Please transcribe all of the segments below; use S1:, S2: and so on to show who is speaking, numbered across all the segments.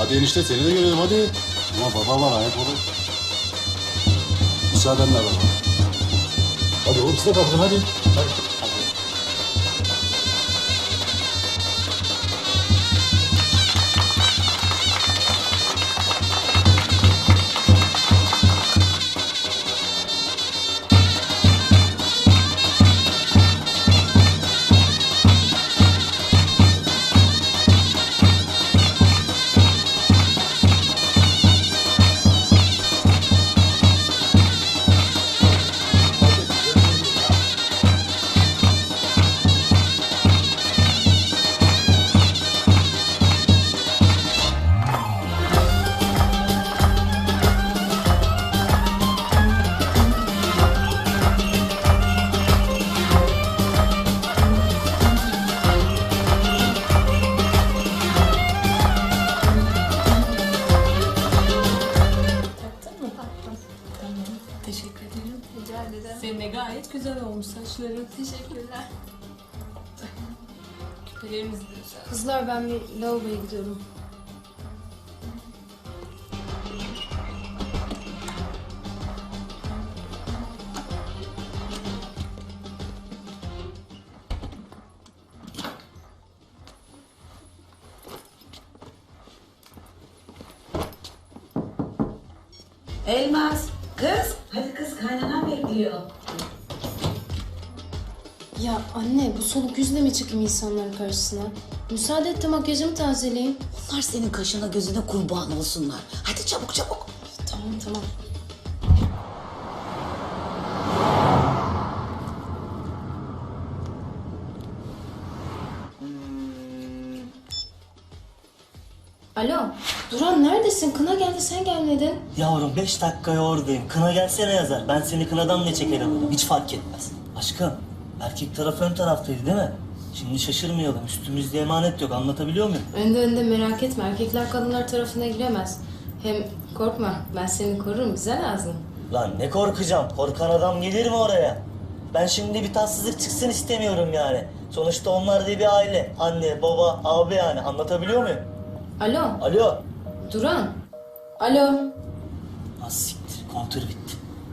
S1: Hadi enişte seni de görelim hadi. Ama baba var ayak olur. Müsaadenle baba. Hadi oğlum siz de kalkın hadi. Hadi.
S2: Teşekkür ederim.
S3: Rica ederim.
S2: Senin de gayet güzel olmuş saçların.
S3: Teşekkürler.
S2: Küpelerimiz de güzel.
S4: Kızlar ben bir lavaboya gidiyorum.
S5: Elmas, kız. Hadi kız kaynana bekliyor.
S4: Ya anne bu soluk yüzle mi çıkayım insanların karşısına? Müsaade et de makyajımı tazeleyeyim.
S5: Onlar senin kaşına gözüne kurban olsunlar. Hadi çabuk çabuk.
S4: Tamam tamam. Alo, Duran neredesin? Kına geldi, sen gelmedin.
S6: Yavrum 5 dakikaya oradayım. Kına gelsene yazar. Ben seni kınadan ne çekerim dedim. Hiç fark etmez. Aşkım, erkek taraf ön taraftaydı değil mi? Şimdi şaşırmayalım. Üstümüzde emanet yok. Anlatabiliyor muyum?
S4: Önde merak etme. Erkekler kadınlar tarafına giremez. Hem korkma, ben seni korurum. Güzel ağzın.
S6: Lan ne korkacağım? Korkan adam gelir mi oraya? Ben şimdi bir tatsızlık çıksın istemiyorum yani. Sonuçta onlar da bir aile. Anne, baba, abi yani. Anlatabiliyor muyum?
S4: Alo,
S6: Alo.
S4: Duran. Alo.
S6: Az siktir. Kontür bitti.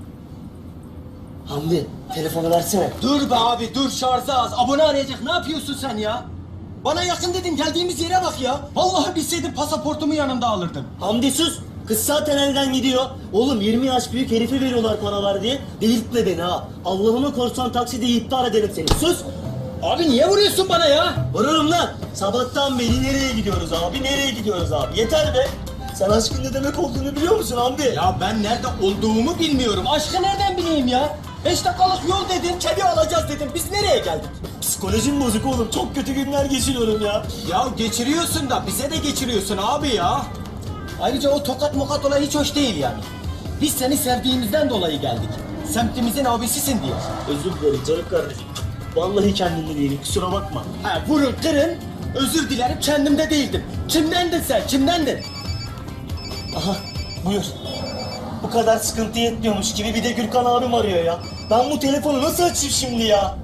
S6: Hamdi, telefonu versene.
S7: Dur be abi dur şarjı az. Abone arayacak ne yapıyorsun sen ya? Bana yakın dedin geldiğimiz yere bak ya. Vallahi bilseydim pasaportumu yanımda alırdım.
S6: Hamdi sus. Kız zaten elden gidiyor. Oğlum 20 yaş büyük herife veriyorlar paralar diye. Delirtme beni ha. Allah'ıma korsan takside iptal ederim seni. Sus.
S7: Abi niye vuruyorsun bana ya?
S6: Vururum lan. Sabahtan beri nereye gidiyoruz abi? Nereye gidiyoruz abi? Yeter be. Sen aşkın ne demek olduğunu biliyor musun Hamdi?
S7: Ya ben nerede olduğumu bilmiyorum. Aşkı nereden bileyim ya? 5 dakikalık yol dedin, kedi alacağız dedim. Biz nereye geldik?
S6: Psikolojim bozuk oğlum. Çok kötü günler geçiriyorum ya.
S7: Ya geçiriyorsun da bize de geçiriyorsun abi ya. Ayrıca o tokat mokat olay hiç hoş değil yani. Biz seni sevdiğimizden dolayı geldik. Semtimizin abisisin diye.
S6: Özür dilerim canım kardeşim. Vallahi kendimde değilim. Kusura bakma.
S7: Ha vurun kırın. Özür dilerim kendimde değildim. Kimdendin sen? Kimdendin?
S6: Aha buyur. Bu kadar sıkıntı yetmiyormuş gibi bir de Gürkan abim arıyor ya. Ben bu telefonu nasıl açayım şimdi ya?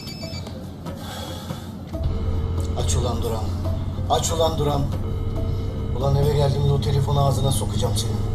S8: Aç ulan Duran. Aç ulan Duran. Ulan eve geldiğimde o telefonu ağzına sokacağım senin.